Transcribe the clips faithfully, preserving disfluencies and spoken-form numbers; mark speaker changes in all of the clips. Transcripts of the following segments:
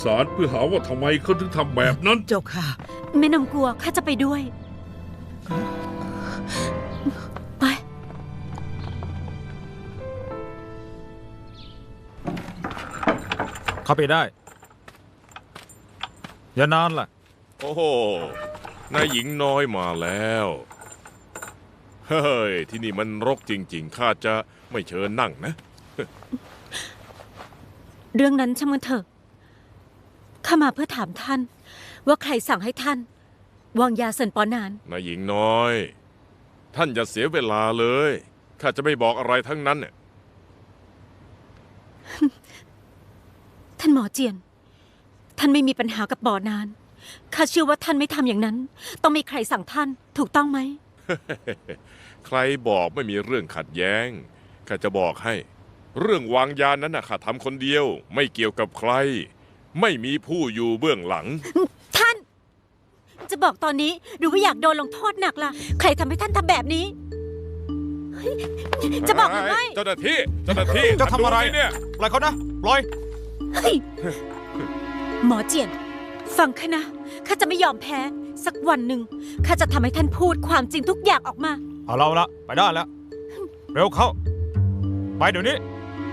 Speaker 1: ศาลเพื่อหาว่าทำไมเขาถึงทำแบบนั้น
Speaker 2: เจ้าค่ะ
Speaker 3: ไม่ต้องกลัวข้าจะไปด้วยไป
Speaker 4: เข้าไปได้อย่านานล่ะ
Speaker 5: โอ้โหนายหญิงน้อยมาแล้วเฮ้ยที่นี่มันรกจริงๆข้าจะไม่เชิญนั่งนะ
Speaker 3: เรื่องนั้นช่างมันเถอะข้ามาเพื่อถามท่านว่าใครสั่งให้ท่านวางยาเซินปอนาน
Speaker 5: นายหญิงน้อยท่านอย่าเสียเวลาเลยข้าจะไม่บอกอะไรทั้งนั้นเนี่ย
Speaker 3: ท่านหมอเจียนท่านไม่มีปัญหากับปอนานข้าเชื่อว่าท่านไม่ทำอย่างนั้นต้องมีใครสั่งท่านถูกต้องไหม
Speaker 5: ใครบอกไม่มีเรื่องขัดแย้งข้าจะบอกให้เรื่องวางยานั้นนะข้าทำคนเดียวไม่เกี่ยวกับใครไม่มีผู้อยู่เบื้องหลัง
Speaker 3: ท่านจะบอกตอนนี้หรือว่าอยากโดนลงโทษหนักล่ะใครทำให้ท่านทำแบบนี้จะบอกหรือไม่
Speaker 5: เจ้าหน้าที่เจ้าหน้าที่
Speaker 4: จะทำอะไร
Speaker 5: เนี่ย
Speaker 4: ปล่อยเขานะปล่อย
Speaker 3: หมอเจียนฟังข้านะข้าจะไม่ยอมแพ้สักวันหนึ่งข้าจะทำให้ท่านพูดความจริงทุกอย่างออกมา
Speaker 4: เอาเราละไปได้แล้วเร็วเข้าไปเดี๋ยวนี้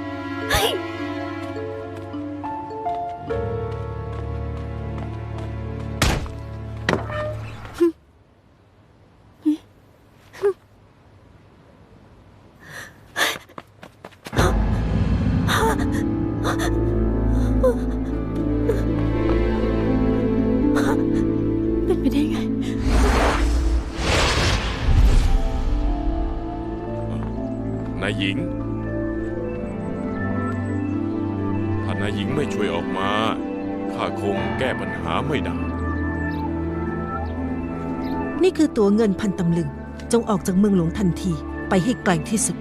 Speaker 3: เป็นไปได้ไง
Speaker 5: นายหญิงถ้านายหญิงไม่ช่วยออกมาข้าคงแก้ปัญหาไม่ได้
Speaker 2: นี่คือตัวเงินพันตำลึงจงออกจากเมืองหลวงทันทีไปให้ไกลที่สุด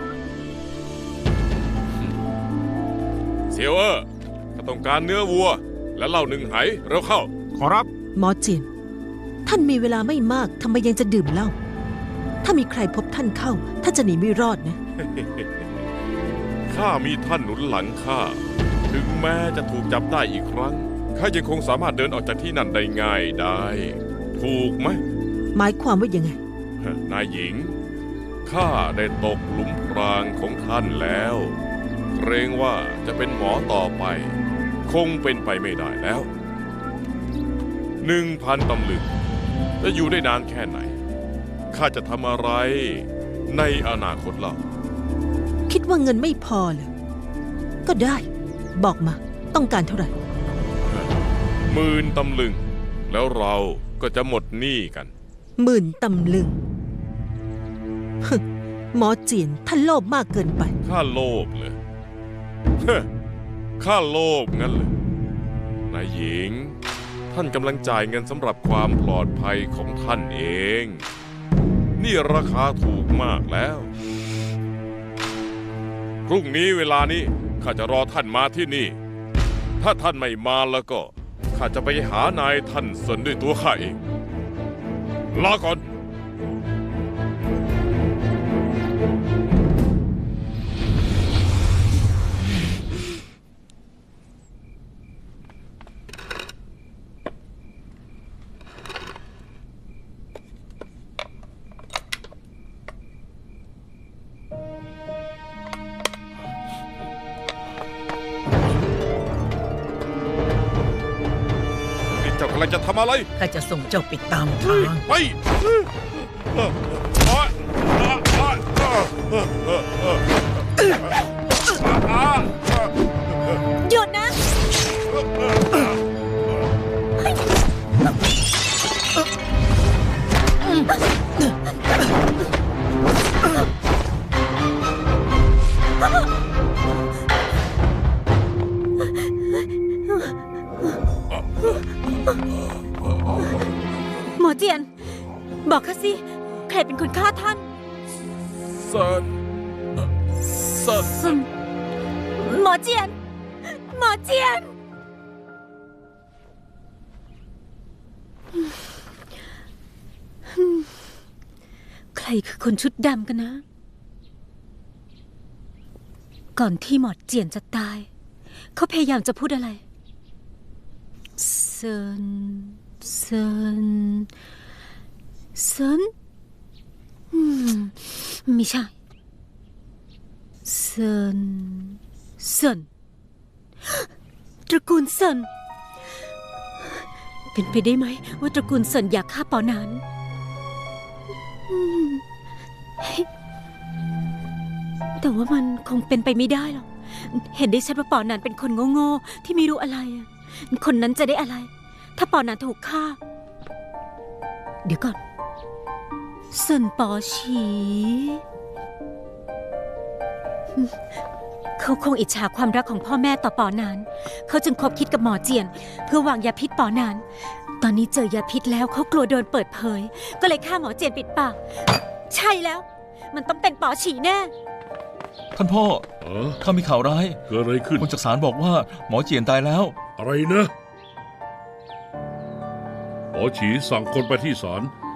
Speaker 5: เซียวเออร์ข้าต้องการเนื้อวัวและเหล้าหนึ่งไหเร็วเข้า
Speaker 4: ขอรับ
Speaker 2: หมอเจียนท่านมีเวลาไม่มากทำไมยังจะดื่มเหล้าถ้ามีใครพบท่านเข้าท่านจะหนีไม่รอดนะ
Speaker 5: ข้ามีท่านหนุนหลังข้าถึงแม้จะถูกจับได้อีกครั้งข้ายังคงสามารถเดินออกจากที่นั่นได้ง่ายได้ถูกไหม
Speaker 2: หมายความว่ายังไง
Speaker 5: นายหญิงข้าได้ตกหลุมพรางของท่านแล้วเกรงว่าจะเป็นหมอต่อไปคงเป็นไปไม่ได้แล้วหนึ่งพันตำลึงจะอยู่ได้นานแค่ไหนข้าจะทำอะไรในอนาคตเล่า
Speaker 2: คิดว่าเงินไม่พอเหรอก็ได้บอกมาต้องการเท่าไหร่
Speaker 5: หมื่นตำลึงแล้วเราก็จะหมดหนี้กัน
Speaker 2: หมื่นตำลึงหมอเจียนท่านโลภมากเกินไป
Speaker 5: ข้าโลภเลยข้าโลภงั้นเลยนายหญิงท่านกำลังจ่ายเงินสำหรับความปลอดภัยของท่านเองนี่ราคาถูกมากแล้วพรุ่งนี้เวลานี้ข้าจะรอท่านมาที่นี่ถ้าท่านไม่มาแล้วก็ข้าจะไปหานายท่านเซินด้วยตัวข้าเองลาก่อนเจ้ากำลังจะทำอะไร
Speaker 2: ข้าจะส่งเจ้าไปตามทาง
Speaker 5: ไป
Speaker 3: หยุดนะหมอเจียนบอกข้าสิใครเป็นคนฆ่าท่าน
Speaker 5: เซินเซิน
Speaker 3: หมอเจียนหมอเจียน ใครคือคนชุดดำกันนะ ก่อนที่หมอเจียนจะตายเขาพยายามจะพูดอะไรเซินเซินเซินอืมไม่ใช่เซินเซินตระกูลเซินเป็นไปได้ไหมว่าตระกูลเซินอยากฆ่าปอนานอืมเฮ้ยแต่ว่ามันคงเป็นไปไม่ได้หรอกเห็นได้ชัดว่าปอนานเป็นคนโง่ๆที่ไม่รู้อะไรอะคนนั้นจะได้อะไร ถ้าปอนานถูกฆ่า เดี๋ยวก่อนเซินปอฉีเขาคงอิจฉาความรักของพ่อแม่ต่อปอนาน เขาจึงคบคิดกับหมอเจียน เพื่อวางยาพิษปอนาน ตอนนี้เจอยาพิษแล้วเขากลัวโดนเปิดเผย ก็เลยฆ่าหมอเจียนปิดปาก ใช่แล้ว มันต้องเป็นปอฉีแน่
Speaker 6: ท่านพ่อ
Speaker 1: เออ
Speaker 6: ข้ามีข่าวร้าย
Speaker 1: เกิดอะไรขึ้น
Speaker 6: คนจากศาลบอกว่าหมอเจียนตายแล้ว
Speaker 1: อะไรนะหมอฉีสั่งคนไปที่ศาล